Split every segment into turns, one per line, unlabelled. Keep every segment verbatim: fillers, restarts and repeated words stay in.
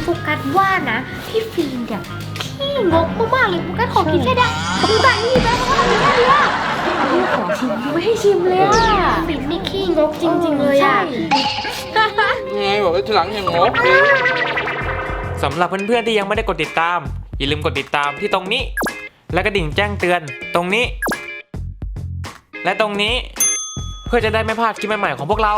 ฟกัสว่านะพี่ฟิล์มเนี่ยขี้งกมากๆเลยโฟกัสขอกินแค่ได้โฟกัสนี่แม่โฟกัสทำแค่นี้อะพี่ขอชิมไม่ให้ชิมเลยอะฟิล์มนี่ขี้งกจริงๆเลยอะ
ไงบอกว่าทีหลังอย่างงก
สำหรับเพื่อนๆที่ยังไม่ได้กดติดตามอย่าลืมกดติดตามที่ตรงนี้และกระดิ่งแจ้งเตือนตรงนี้และตรงนี้เพื่อจะได้ไม่พลาดคลิปใหม่ๆของพวกเรา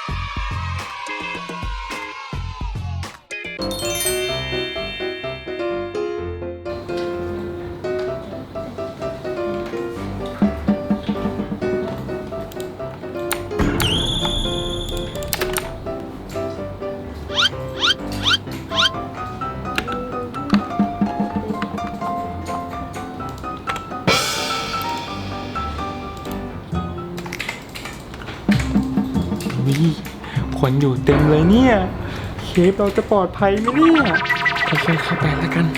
วิคนอยู่เต็มเลยเนี่ยเคฟเราจะปลอดภัยไหมเนี่ยค่อยๆเข้าไปแล้วกัน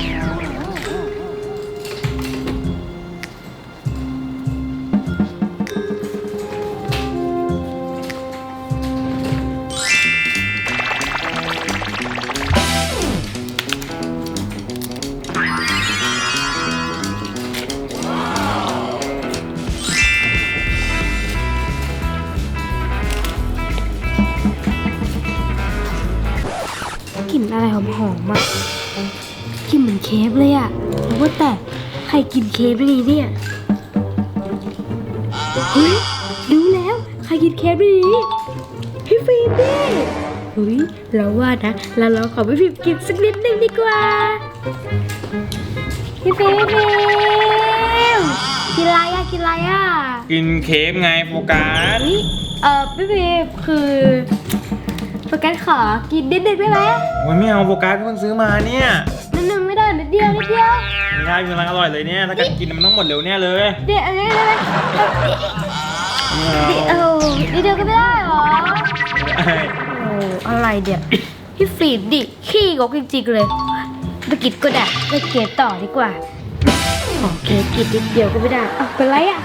กลิ่นอะไรหอมๆอ่ะกลิ่นเหมือนเคฟเลยอ่ะแล้วว่าแต่ใครกินเคฟได้เนี่ยเฮ้ยรู้แล้วใครกินเคฟได้ดีพี่ฟิล์มดิเฮ้ยเราว่านะเราลองขอพี่ฟิล์มกินสักนิดนึงดีกว่าพี่ฟิล์มพี่ฟิล์มกินอะไรอ่ะกินอะไรอ่ะ
กินเคฟไงโฟกัส
เฮ้ยเออพี่ฟิล์มคือโฟกัสขอกินนิดนึงได้ไหม
โอ้ยไม่เอาโฟกัสเพิ่งซื้อมาเนี่ย
นิดนึงไม่ได้นิดเดียวนิดเดียว
ไม่ได้กำลังอร่อยเลยเนี่ยถ้าเกิดกินมันต้องหมดเร็วเนี่ยเลย
เดี๋ยวอะไรอะไรเออนิดเดียวก็ไม่ได้หรอโอ้อะไรเดี๋ยวพี่ฟีดดิขี้งกจริงๆเลยไปกินก็ได้ไปเกตต่อดีกว่าโอเคกินนิดเดียวก็ไม่ได้อ่ะเป็นไรอ่ะ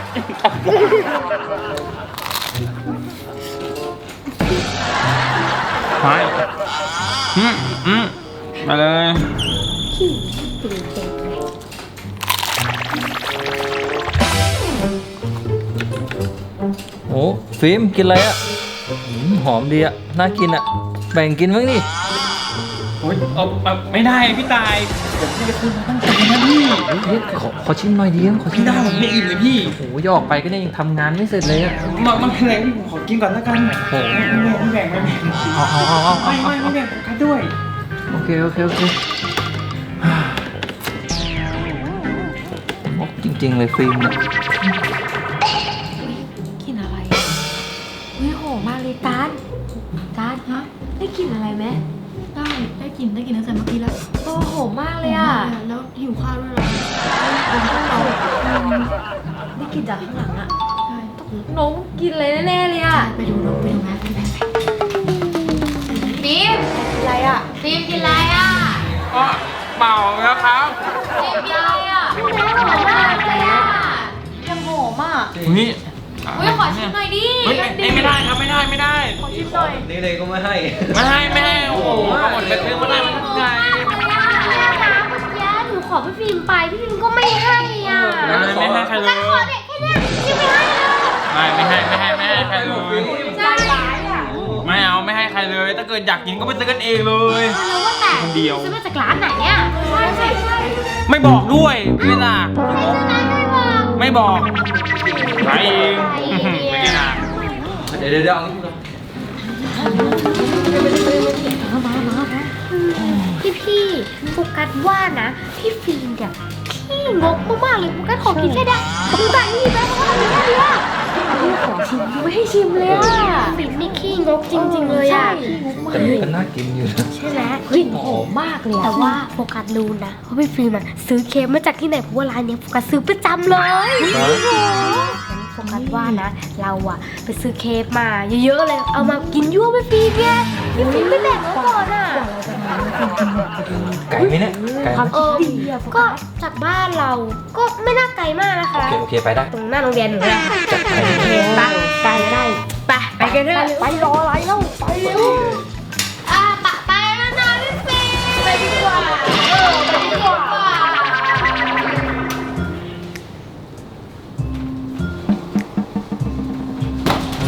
ไปอืมอืมมาเลย
ขี้ตื่นเต้นเลย
โอ้ฟิล์มกินอะไรอ่ะหอมดีอ่ะน่ากินอ่ะแบ่งกินบ้างดิ
โอ้ยเอาไม่ได้พี่ตายเดี๋ยวพี่จะซื้อมาตั้งใจนะพี่
เฮ้ยขอขอชิมหน่อยดิขอชิม
ไม่ได้ผมไม่อิ่มเลยพี่
โอ้โหยออกไปก็เนี่ยยังทำงานไม่เสร็จเลยอ่ะ
มามันเป็นไรพี่ผมขอกินก่อนแล้วกัน
โอ้โห
ไม่แบ่งไม่แบ่งไม่แบ่ง
เอาเอาเอาเอา
ไม่ไม่ไม่แบ่งโฟกัสด้วย
โอเคโอเคโอเคโอ้จริงๆเลยฟิล์มเนี่ย
กลิ่นอะไรอ่ะเฮ้ยหอมมากเลยตาลตาลฮะได้กลิ่นอะไรไหม
ได้ได้กลิ่นได้กลิ่นตั้งแต่เมื่อกี้แล้ว
โอ้หอมมากเลยอ่ะ
แล้วหิวข้าวด้วยเหรอ
ผมต้องเราได้กลิ่นจากข้างหลังอ่ะ
ใช่
น้องกินอะไรแน่ๆเลยอ่ะ
ไปดูน้องไปดูแม่ไปดูแม่
ฟิล์มอะไรอ่ะฟิล์มกินอะไรอ่ะ
ก็เมาแล้วครับ
ฟิล์มกินอะไรอ่ะหอมมากเลยอ่ะ
ยังหอมอ่ะ
นี่
อุ้ยขอชิมหน่อยดิ
เฮ้ยไม่ไม่ได้ครับไม่ได้ไม่ได้
ขอชิมหน่อย
นี่เลยก็ไม่ให้
ไม่ให้ไม่ให้โอ้โหหมดไปซื้อมาได้มันทำไง
หนูขอพี่ฟิล์มไปพี่ฟิล์มก็ไม่ให้อ่ะ
ไม่ให้ใครเลย
ขอเด็กแค่เนี้ยพี่ไม่ให้เลย
ไม่ไม่ให้ไม่ให้ไม่ให้ใครเลย
ใจร้ายอ่ะ
ไม่เอาไม่ให้ใครเลยถ้าเกิดอยากกินก็ไปซื้อกันเองเลย
แล้วว่าแต่
คนเดียว
ซื้อมาจากร้านไหนอ่ะใช่ใช่ใช่
ไม่บอกด้วยเวลา
ไม่ซื้อร้านไม่บอก
ไม่บอกขายเองไม่กินอ่ะ
เดี๋ยวเดี๋ยวเดี๋ยวเอางี้ก่อน
พี่พี่โฟกัสว่านะพี่ฟิล์มเนี่ยขี้งกมากๆเลยโฟกัสขอกินแค่ได้โฟกัสนี่แม่โฟกัสทำแค่นี้อ่ะพี่ขอชิมไม่ให้ชิมเลยอ่ะฟิล์มนี่ขี้งกจริงๆเลยอ่ะ
แต่ก็น่ากินอยู่นะ
ใช่ไหมเฮ้ยหอมมากเลยแต่ว่าโฟกัสรู้นะว่าพี่ฟิล์มอะซื้อเค้กมาจากที่ไหนเพราะว่าร้านเนี้ยโฟกัสซื้อประจำเลยโอ้โหโฟกัสว่านะ เราอะไปซื้อเค้กมาเยอะๆเลยเอามากินยั่วพี่ฟิล์มไงพี่ฟิล์มไม่แบ่งมาก่อนอะ
ไก่ไหมเนี่ยไก่ไหม
เออก็จากบ้านเราก็ไม่น่าไกลมากนะคะ
โอเคโอเคไปได้
ตรงหน้าโรงเรียนหนูเลย
จัดไป
โอเคไปไกลได้ไปไปกันเถอะไปรออะไรเล่าไปเร็วอ่ะปะไปแล้วนะพี่ฟิล์ม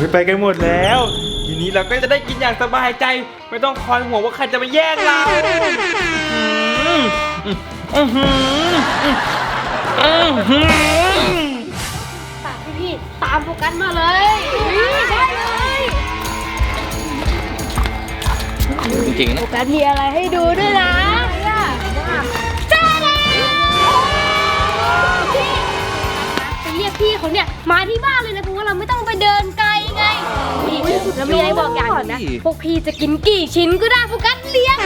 ไปกันหมดแล้วทีนี้เราก็จะได้กินอย่างสบายใจไม่ต้องคอยห่วงว่าใครจะมาแย่งเราอื้ออื้อหืออื้อหือ
ตามพี่พี่ตามโฟกัสมาเลยได้เลย
จริงๆนะ
โฟกัสมีอะไรให้ดูด้วยนะจ้าเลยไปเรียกพี่เขาเนี่ยมาที่บ้านเลยนะเพราะว่าเราไม่ต้องไปเดินไกลไงนี่แล้วมีอะไรบอกอย่างหนึงนะพวกพี่จะกินกี่ชิ้นก็ได้โฟกัสเลี้ยง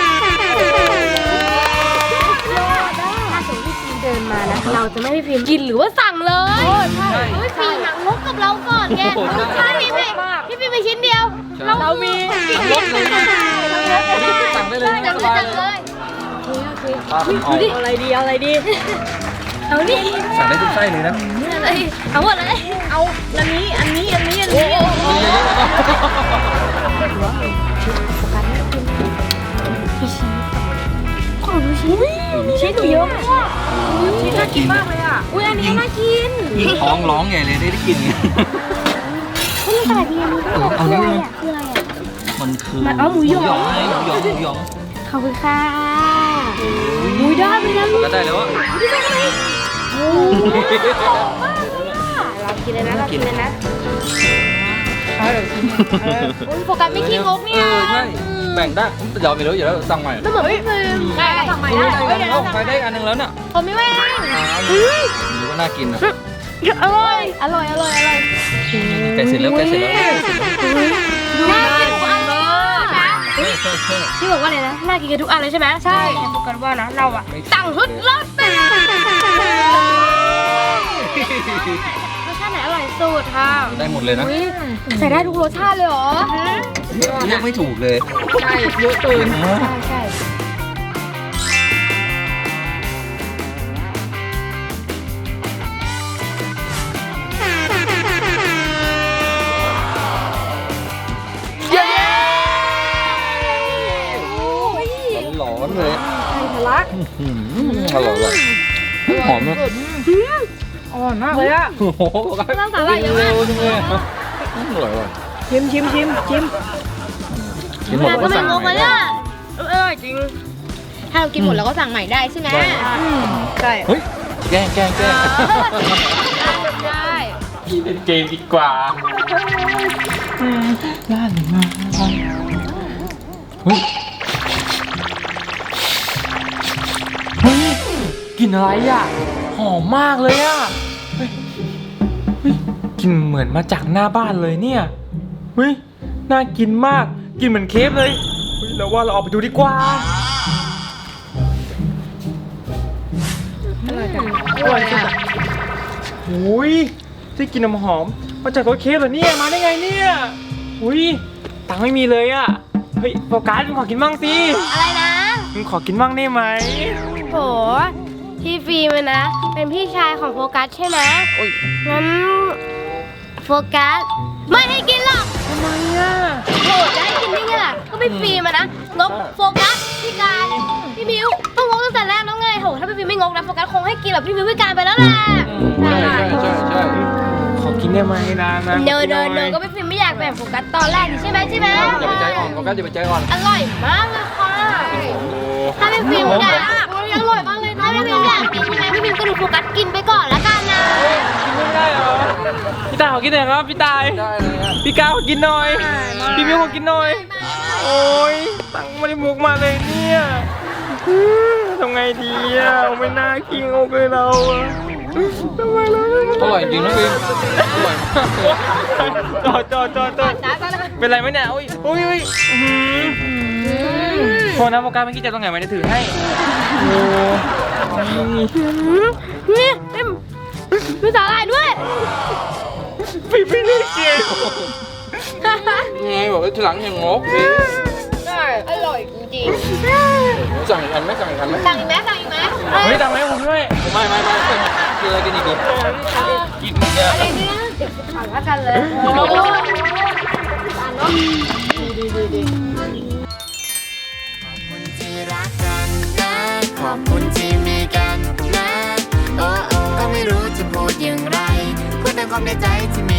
ถ้าสมมติพี่ฟิล์มเดินมานะเราจะไม่ให้พี่ฟิล์มกินหรือว่าสั่งเลยพี่ฟิล์มหนังงกกับเราก่อนแกใช่พี่ฟิล์มพี่ฟิล์มไปชิ้นเดียวเรามี
รถเลยสั่งได้เลย
สั่ง
ส
เลย
บาย
สั่ง
เล
เลย ย
ปลาเป็นออก
เอาอะไรดีเอาอะไรดีเอาดิ
สั่งได้ทุกไส้เลยนะ
อะไรเอาหมดเลยเอาอันนี้อันนี้อันนี้อันนี้
เยอะๆแล้วก็
พี่ชิ้นของดูชิ้นชิ้นหนูเยอะมากชิ้นน่ากินมากเลยอ่ะอุ้ยอันนี้น่ากิน
ยิ่งท้องร้องใหญ่เลยได้ได้กินเนี่ย
มันอะไรพี่อันนี้คืออะไรอ่ะคืออะไรอ่ะ
มันคือ
มันเอาหมูหยอง
ไงหมูหยองหมูหยอง
ขอบคุณค่ะอุ้ยได้ไหมนะ
ก็ได้แล้วอะ
โอ้เรากินเลยนะเรากินเลยนะโอ้ยโฟกัสไม่ขี้งก
เอ
เนี่ย
อใช่แบ่งได้เดี๋ยวไม่รู้เดี๋ยวสั่งใหม่
ก็เหมือนพี่ฟิล์มได้สั่งใหม่ได้
เฮ้ยได้ใครได้อันนึงแล้วเนี่ย
ผมไม่แม่ง
หรือว่าน่ากินนะ
อร่อยอร่อยอร่อยอร่อย
ใกล้เสร็จแล้วใกล้เสร็จแล้วใกล้เสร็จแล้ว
น่ากินทุกอันเลยนะ
ใช่ใช่ใช่
พี่บอกว่าอะไรนะน่ากินกันทุกอันเลยใช่ไหมใช่แต่โฟกัสว่านะเราอะสั่งทุกรสเป็นรสชาติไหนอร่อยสุดค่ะ
ได้หมดเลยนะ
ใส่ได้ทุกรสชาติเลยเหรอ
เรียกไม่ถูกเลย
ใช่เยอะเกินใช่ใช่
ร้อนเลย
ไข่ทะลัก
อร่อยเลยหอมนะ
อร่อยมากเลยอะ
โอ้โห
น้ำสาหร่ายเยอะมาก
เร็วจังเลยอร่อยว่ะ
ชิมชิมชิมชิม
กินหมดก็สั่งใหม่ได้
เออจริงถ้าเรากินหมดเราก็สั่งใหม่ได้ใช่ไหมใช่
เฮ้ยแกล้งแกล้งแกล้ง
ได้
พี่เล่นเกมดีกว่าย่านมาเฮ้ยเฮ้ยกลิ่นอะไรอ่ะหอมมากเลยอ่ะเฮ้ยเฮ้ยกลิ่นเหมือนมาจากหน้าบ้านเลยเนี่ยเฮ้ยน่ากินมากกลิ่นเหมือนเคฟเลยเฮ้ยเราว่าเราออกไปดูดีกว่าอร่อยจังอร่อยจังโอ้ยได้กลินน้ำหอมมาจากรถเคฟเหรอเนี่ยมาได้ไงเนี่ยอุ้ยตังค์ไม่มีเลยอ่ะเฮ้ยโฟกัสมึงขอกินบ้างสิ
อะไรนะ
มึงขอกินบ้างได้ไหม
โหพี่ฟิล์มอะนะ เป็นพี่ชายของโฟกัสใช่ไหม
โอ้ย
งั้นโฟกัสไม่ให้กินหรอก
ทำไมอ่ะ
โหจะให้กินได้ไงล่ะก็พี่ฟิล์มอะนะงกโฟกัสพี่การพี่มิวต้องงกตั้งแต่แรกแล้วไงโหถ้าพี่ฟิล์มไม่งกนะโฟกัสคงให้กินแบบพี่มิวพี่การไปแล้วแหละ
ใช่ใช่ใช่ใช่
ขอกินได้ไหมนะนะ
เดินเดินเดินก็พี่ฟิล์มไม่อยากแบ่งโฟกัสตอนแรกนี่ใช่ไหมใช่ไหม
อย่าไปใจอ่อนโฟกัสอย่าไปใจอ่อน
อร่อยมากเลยค่ะถ้าพี่ฟิล์มอยากอร่อยมากเลยถ้าพี่ฟิล์มอยากกินใช่ไหมพี่ฟิล์มก็ดูโฟกัสกินไปก่อนแล้วกันนะ
กินไม่ได้เหรอพี่ตายขอกินหน่อยครับพี่ตาย
ได้เลยอ่ะ
พี่ก้าวขอกินหน่อยพี่มิวขอกินหน่อยโอ้ยตังค์ไม่ได้มุกมาเลยเนี่ยอื้อทำไงดีอ่ะไม่น่ากินโอเคเราอ่ะทำไมเราไม่
อร่อยจริงนะฟิล์มอร่อยมากเลย
จอดจอดจอดจอดเป็นไรไหมเนี่ยอุ้ยอุ้ยอุ้ยอื้อหือโทษนะโฟกัสเมื่อกี้จะตรงไหนมาจะถือให้โอ้ย
นี่เต็มมีสาหร่ายด้วย
พี่พี่นี่เก่ง
ไงบอกว่าทีหลังอย่างงกฟิล์ม
ได้อร่อยจริง
สั่งอีกอันไหมสั่งอีกอันไหม
สั่งอีกไหมสั่งอีกไหม
เฮ้ยตังค์ไหมผมด้วย
ไม่ไม่ไม่กินอะไรกันอีกดีกินเยอะ
อะไรเนี่ยเดี๋ยวถามว่ากันเลยโอ้โหอ่านเนาะ
ที่รักกันนะขอบคุณที่มีกันนะโอ้โอ้ก็ไม่รู้จะพูดอย่างไรพูดแต่ความในใจที่มี